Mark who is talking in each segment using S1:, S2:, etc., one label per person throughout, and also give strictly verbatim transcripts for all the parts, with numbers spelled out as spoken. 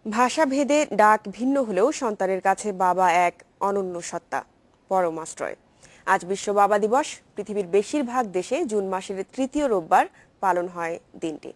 S1: ভাষাভেদে ডাক ভিন্ন হলেও সন্তানের কাছে বাবা এক অনন্য সত্তা, পরম আশ্রয়। আজ বিশ্ব বাবা দিবস। পৃথিবীর বেশিরভাগ দেশে জুন মাসের তৃতীয় রোববার পালন হয় দিনটি।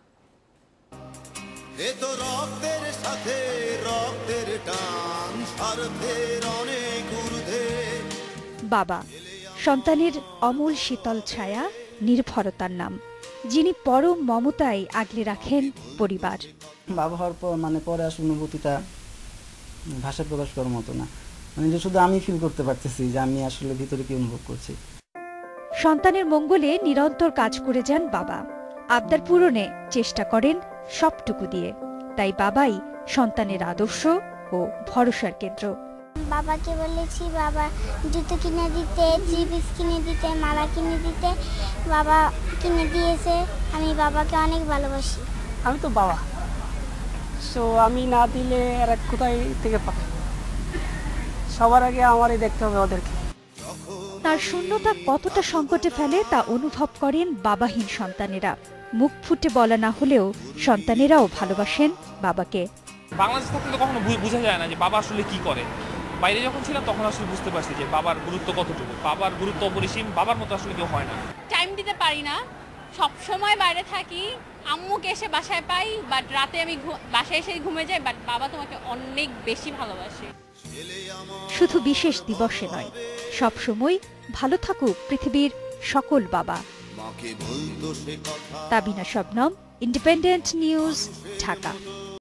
S2: বাবা সন্তানের অমূল শীতল ছায়া, নির্ভরতার নাম, যিনি পরম মমতায় আগলে রাখেন পরিবার।
S3: বাবা হওয়ার পর মানে পরে আসলে অনুভূতিটা ভাষা প্রকাশ করার মতো না, মানে যে শুধু আমি ফিল করতে পারতেছি যে আমি আসলে ভিতরে কি অনুভব করছি।
S2: সন্তানের মঙ্গলে নিরন্তর কাজ করে যান বাবা, আবদার পূরণে চেষ্টা করেন সবটুকু দিয়ে। তাই বাবাই সন্তানের আদর্শ ও ভরসার কেন্দ্র।
S4: বাবাকে বলেছি বাবা জুতো কিনে দিতে, থ্রি পিস কিনে দিতে, মালা কিনে দিতে, বাবা কিনে দিয়েছে। আমি বাবাকে অনেক ভালোবাসি।
S5: আমি তো বাবা, সো আমি না দিলে এরা কোথায় থেকে পাবে? সবার আগে আমারই দেখতে হবে ওদেরকে।
S2: তার শূন্যতা কতটা সংকটে ফেলে তা অনুভব করেন বাবাহীন সন্তানেরা। মুখ ফুটে বলা না হলেও সন্তানেরাও ভালোবাসেন বাবাকে।
S6: বাংলাদেশ থাকলে কখনো বোঝা যায় না যে বাবা আসলে কি করে। বাইরে যখন ছিলাম তখন আসলে বুঝতে পারছি যে বাবার গুরুত্ব কতটুকু। বাবার গুরুত্ব অপরিসীম, বাবার মতো আসলে কেউ হয় না।
S7: টাইম দিতে পারি না, সব সময় বাইরে থাকি। আম্মুকে এসে বাসায় পাই, বাট রাতে আমি বাসায় এসে ঘুমে যাই। বাট বাবা তোমাকে অনেক বেশি ভালোবাসে।
S2: শুধু বিশেষ দিবসে নয়, সব সময় ভালো থাকুক পৃথিবীর সকল বাবা। Tabina Shabnam, independent news, Dhaka.